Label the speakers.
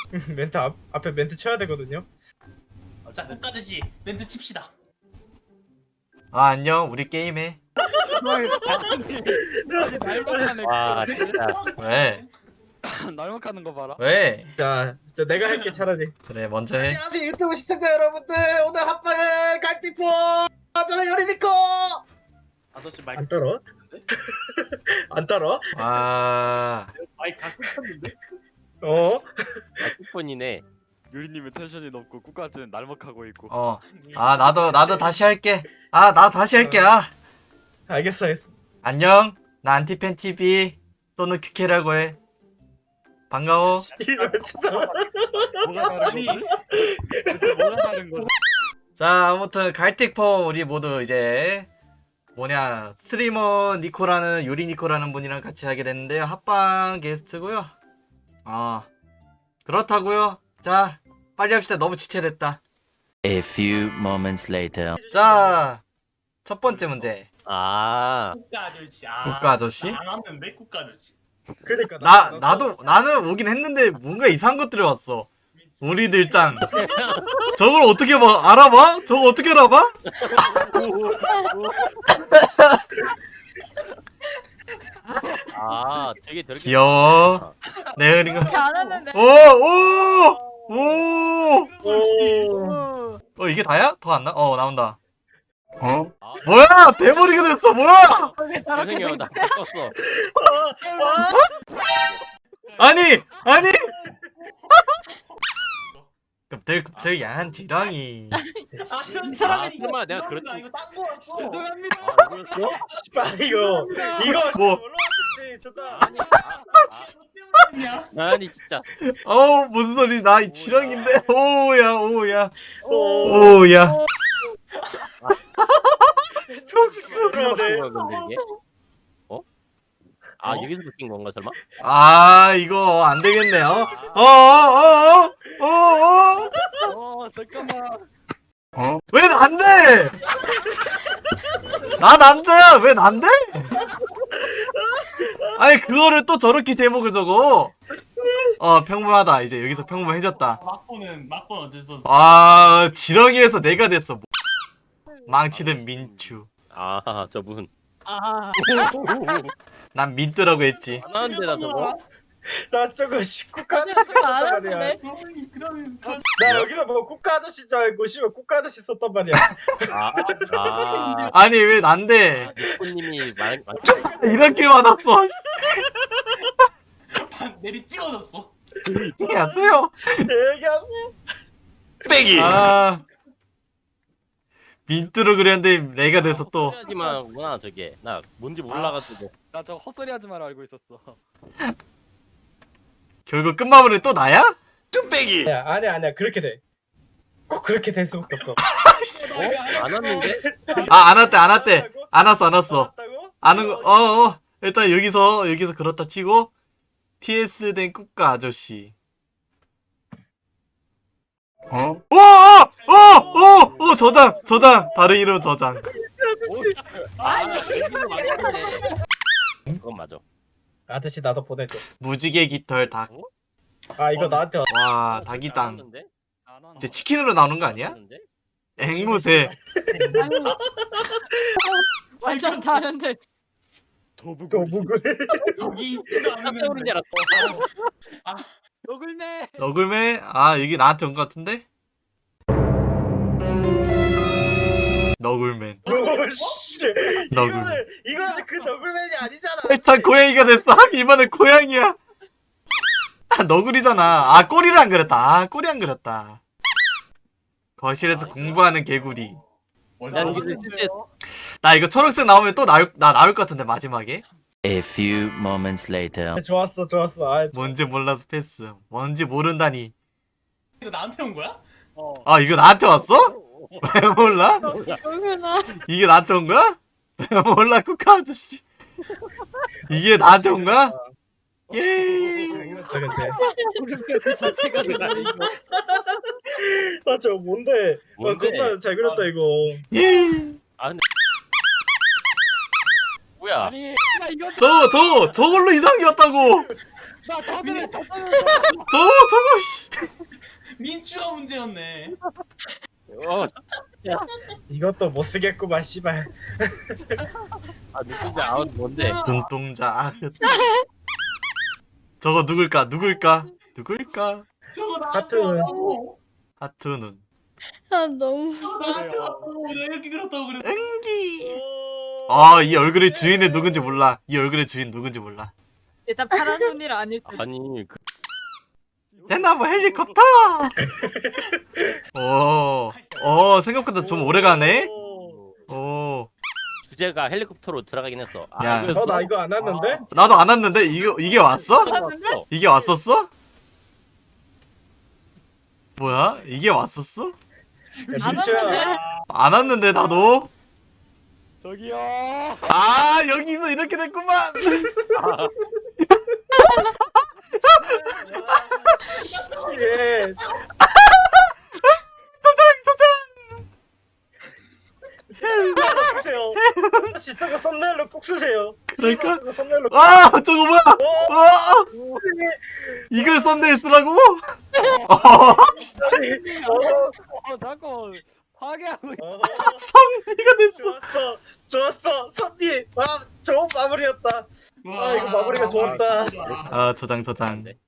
Speaker 1: 멘트 앞에 멘트 쳐야 되거든요.
Speaker 2: 자, 끝까지 멘트 칩시다.
Speaker 3: 아 안녕 우리 게임해.
Speaker 4: 날먹하는
Speaker 5: 와 진짜
Speaker 3: 왜?
Speaker 4: 날먹하는 거 봐라.
Speaker 3: 왜?
Speaker 1: 자 내가 할게 차라리.
Speaker 3: 그래 먼저 해.
Speaker 1: 안녕하세요 유튜브 시청자 여러분들, 오늘 합방은 갈티포 저는 요리니코.
Speaker 5: 아저씨 마이크
Speaker 1: 안 떨어? 안 떨어?
Speaker 3: 아
Speaker 5: 마이크 다 끊겼는데?
Speaker 1: 어?
Speaker 5: 폰이네.
Speaker 4: 유리님은 텐션이 높고 꾸까지는 날먹하고 있고.
Speaker 3: 아 나도 다시 할게. 아 나 다시 할게. 아
Speaker 1: 알겠어.
Speaker 3: 안녕 나 안티팬 TV 또는 큐케라고 해. 반가워.
Speaker 1: 이거 진짜.
Speaker 4: 뭐가 다른 거지? 대체 뭐가 다른 거지?
Speaker 3: 자 아무튼 갈틱폼 우리 모두 이제 뭐냐 스트리머 니코라는 요리 니코라는 분이랑 같이 하게 됐는데요. 합방 게스트고요. 그렇다고요. 자 빨리 합시다. 너무 지체됐다.
Speaker 6: A few moments later.
Speaker 3: 자 첫 번째 문제.
Speaker 5: 아
Speaker 2: 국가 아저씨.
Speaker 3: 국가 아저씨?
Speaker 2: 안 왔는데 국가 아저씨.
Speaker 1: 그러니까
Speaker 3: 나는 오긴 했는데 뭔가 이상한 것들이 왔어. 우리들 짱. 저걸 어떻게 봐? 알아봐? 저거 어떻게 알아봐?
Speaker 5: 아 되게
Speaker 3: 귀여워. 내 흐린 거.
Speaker 7: 잘하는데.
Speaker 1: 오.
Speaker 3: 이게 다야? 더 안 나? 나온다.
Speaker 5: 아,
Speaker 3: 뭐야? 대머리가 됐어. 뭐야?
Speaker 5: 죄송해요 나 껐어.
Speaker 3: 아니. 급들 야한 지렁이.
Speaker 2: 이
Speaker 5: 아, 설마 내가 그랬지?
Speaker 2: 이거 딴거 왔어.
Speaker 4: 죄송합니다.
Speaker 5: 아 이거였어?
Speaker 1: 씨발 이거
Speaker 3: 뭐?
Speaker 1: 올라왔겠지. 좋다.
Speaker 5: 아니 진짜
Speaker 3: 무슨 소리? 나 이 지렁인데. 오야.
Speaker 1: 오.
Speaker 3: 오야. 촉수.
Speaker 1: 그래야 돼.
Speaker 5: 뭐야 근데 이게? 어? 아 여기서 바뀐 건가 설마?
Speaker 3: 아 이거 안 되겠네요.
Speaker 4: 잠깐만.
Speaker 3: 왜 안 돼? 나 남자야. 왜 안 돼? 아니 그거를 또 저렇게 제목을 적어. 평범하다. 이제 여기서 평범해졌다.
Speaker 2: 막고는 어쩔 수 없어.
Speaker 3: 아 지렁이에서 내가 됐어. 망치든 민추.
Speaker 5: 아 저분
Speaker 3: 난 민뚜라고 했지.
Speaker 5: 안 하는데 나 저거?
Speaker 1: 나 저거 국가 아저씨
Speaker 7: 그거
Speaker 1: 썼단
Speaker 7: 안
Speaker 1: 말이야.
Speaker 7: 하는데?
Speaker 2: 그러면
Speaker 1: 나 여기서 뭐 국가 아저씨 줄 알고 씨발 국가 아저씨 썼단 말이야.
Speaker 5: 아
Speaker 3: 아니 왜 난데?
Speaker 5: 니코님이 말
Speaker 3: 이렇게 받았어.
Speaker 2: 내리 찍어줬어.
Speaker 3: 안녕하세요.
Speaker 1: 얘기하세요.
Speaker 5: 빼기.
Speaker 3: 아 민뚜로 그렸는데 내가 돼서 또.
Speaker 5: 하지만 구나 저게 나 뭔지 몰라가지고.
Speaker 4: 나 저 헛소리 하지 마라 알고 있었어.
Speaker 3: 결국 끝마무리 또 나야?
Speaker 1: 야, 아니야 그렇게 돼. 꼭 그렇게 될 수밖에 없어.
Speaker 5: 안 왔는데?
Speaker 3: 안 왔대. 안 왔어.
Speaker 1: 나왔다고?
Speaker 3: 아는 거. 일단 여기서 그렇다 치고 TS 된 국가 아저씨. 저장. 다른 이름 저장.
Speaker 5: 여기는 맞는데. 그건 맞아.
Speaker 1: 아저씨 나도 보내줘.
Speaker 3: 무지개 깃털 닭.
Speaker 1: 아 이거 나한테
Speaker 3: 와 닭이당.
Speaker 5: 왔는데?
Speaker 4: 안 하나.
Speaker 3: 이제 치킨으로 나오는 거 아니야?
Speaker 5: 왔는데?
Speaker 3: 앵무새.
Speaker 7: 완전 다른데.
Speaker 4: 도부고.
Speaker 1: 도북을.
Speaker 2: 여기 있지도
Speaker 5: 깜짝이야 줄
Speaker 2: 않는데.
Speaker 5: 알았어.
Speaker 4: 너굴매.
Speaker 3: 너굴매. 여기 나한테 온 거 같은데? 너굴맨.
Speaker 1: 오씨.
Speaker 3: 너굴.
Speaker 1: 이거는 그 너굴맨이 아니잖아.
Speaker 3: 참 고양이가 됐어. 이번엔 고양이야. 너구리잖아. 꼬리를 안 그렸다. 꼬리 안 그렸다. 거실에서 공부하는 개구리.
Speaker 5: 난 이게 실제
Speaker 3: 나 이거 초록색 나오면 또 나올 것 같은데 마지막에.
Speaker 6: A few moments later.
Speaker 1: 좋았어.
Speaker 3: 뭔지 몰라서 패스. 뭔지 모른다니.
Speaker 2: 이거 나한테 온 거야?
Speaker 3: 이거 나한테 왔어? 왜 몰라?
Speaker 7: 여기나.
Speaker 3: 이게 나한테 온 거야? 왜 몰라 쿠카 아저씨. 이게 나한테 온 거야? 예.
Speaker 1: 당연하다.
Speaker 4: 그 자체가 그래 이거.
Speaker 1: 저 뭔데?
Speaker 5: 뭔데?
Speaker 1: 겁나 잘 그렸다 이거.
Speaker 3: 예.
Speaker 5: 뭐야?
Speaker 4: 아니 나 이거
Speaker 3: 저걸로 이상하게 왔다고.
Speaker 4: 나 저들을
Speaker 3: 저거 씨.
Speaker 2: 민주가 문제였네.
Speaker 1: 이것도 못 쓰겠구만 씨발.
Speaker 5: 아 누군지 아웃 뭔데?
Speaker 3: 눈동자. 아, 저거 누굴까?
Speaker 2: 저거
Speaker 1: 하트.
Speaker 2: 나한테 왔다고.
Speaker 3: 하트 눈.
Speaker 7: 아 너무.
Speaker 2: 저거 나한테 왔다고. 내가 이렇게 그렇다고 그랬어.
Speaker 3: 응기. 아, 이 얼굴의 주인이 누군지 몰라. 이 얼굴의 주인 누군지 몰라.
Speaker 7: 일단 파란 눈이라 아닐 듯.
Speaker 5: 아니 그
Speaker 3: 대나무 헬리콥터. 생각보다 좀 오래 가네. 오,
Speaker 5: 주제가 헬리콥터로 들어가긴 했어.
Speaker 3: 야.
Speaker 5: 이거였어?
Speaker 1: 나 이거 안 왔는데?
Speaker 3: 나도 안 왔는데 이게 왔어?
Speaker 5: 왔어.
Speaker 3: 이게 왔었어? 뭐야? 이게 왔었어?
Speaker 1: 야,
Speaker 7: 안
Speaker 1: 민주야.
Speaker 7: 왔는데?
Speaker 3: 안 왔는데 나도.
Speaker 4: 저기요.
Speaker 3: 아, 여기서 이렇게 됐구만.
Speaker 1: 예. 꼭 쓰세요. 진짜 그 썸네일로 꼭 쓰세요.
Speaker 3: 그럴까?
Speaker 1: 저거 썸네일로.
Speaker 3: 아, 저거 뭐야? 이걸 썸네일 쓰라고?
Speaker 4: 자꾸 파괴하고 있-
Speaker 3: 썸네일가 됐어.
Speaker 1: 좋았어. 선비. 와, 좋은 마무리였다.
Speaker 2: 와,
Speaker 1: 아, 이거 마무리가 좋았다.
Speaker 3: 아, 저장.
Speaker 5: 네.